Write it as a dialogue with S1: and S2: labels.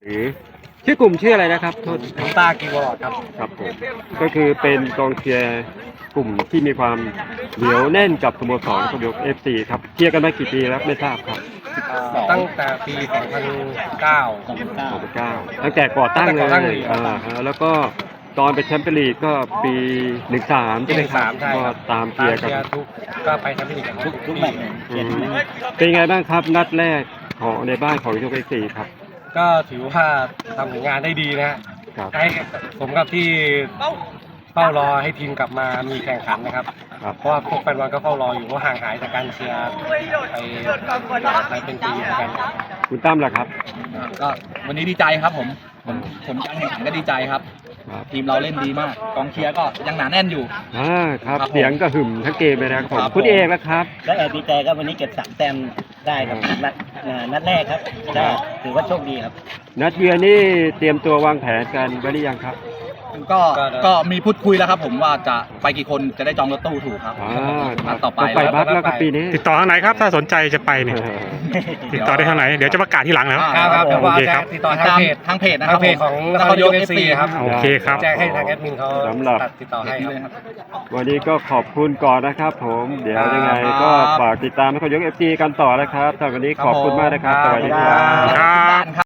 S1: หรือชื่อกลุ่มชื่ออะไรนะครับโทษ
S2: น้ำตากีวอร์ดครับ
S1: ครับผมก็คือเป็นกองเชียร์กลุ่มที่มีความเหนียวแน่นกับสโมสรนครนายก FC ครับเชียร์กันมากี่ปีแล้วไม่ทราบครับ
S2: ตั้งแต่ปี 2009
S1: ตั้งแต่ก่อตั้ง
S2: ตั้งแต่ก่อตั้ง
S1: เล
S2: เลย ย
S1: แล้วก็ตอนเป็นแชมเปี้ยนลีกก็ปี 13 ใช่ไหมครับ
S2: ใช่
S1: ก็
S2: ครับ
S1: ตามเชียร์กัน
S2: ทุกก็ไปแชมเปี้ยนลีกกันทุกแมตช์
S1: อืมเป็นไงบ้างครับนัดแรกของในบ้านของยก FC ครับ
S2: ก็ถือว่าทำผลงานได้ดีนะฮะ
S1: ครับ
S2: ให้ผมกับที่เฝ้ารอให้ทีมกลับมามีแข่งขันนะครับ
S1: ครับ
S2: เพราะว่าพวกแฟนบอลก็เฝ้ารออยู่เพราะห่างหายจากการเชียร์ไปเป็นปีเหมือนกัน
S1: คุณตั้มล่ะครับ
S3: ก็วันนี้ดีใจครับผมการแข่งขันก็ดีใจครับ
S1: ครับ
S3: ทีมเราเล่นดีมากกองเชียร์ก็ยังหนาแน่นอยู่
S1: ครับ
S3: ครับผม
S1: เสียงก็หึ่มทั้งเกมเลยนะครับ
S3: ครับ
S1: คุณ
S3: ผม
S1: เอกนะครับ
S4: และแอบดีใจครับวันนี้เก็บ3 แต้มได้ครับนัดแรกครับก็ถือว่าโชคดีครับ
S1: นัดเยือนนี่เตรียมตัววางแผนกันไว้หรือยังครับ
S3: ก็มีพูดคุยแล้วครับผมว่าจะไปกี่คนจะได้จองรถตู้ถูกครับ นัดต่อไป
S1: ไปบัสแล้วครับปีนี้
S5: ติดต่อทางไหนครับถ้าสนใจจะไปเนี่ยติดต่อได้ทางไหนเดี๋ยวจะประกาศที่หลังแล้ว
S2: ครับ
S5: โอเคครับ
S2: ติดต่อทางเพจ
S3: ทางเพจนะครับ
S2: ทางเพจของนครนายก FC ครับ
S5: โอเคครับ
S2: แจ้งให้ทางแอดมินเขา
S1: สำหรับ
S2: ติดต่อให้ครับ
S1: วันนี้ก็ขอบคุณก่อนนะครับผมเดี๋ยวยังไง
S3: ครับ
S1: ก็ฝากติดตามนครนายก FC กันต่อนะครับสำหรับวันนี้ขอบคุณมากนะครับสวัสดีครับ
S5: ครับ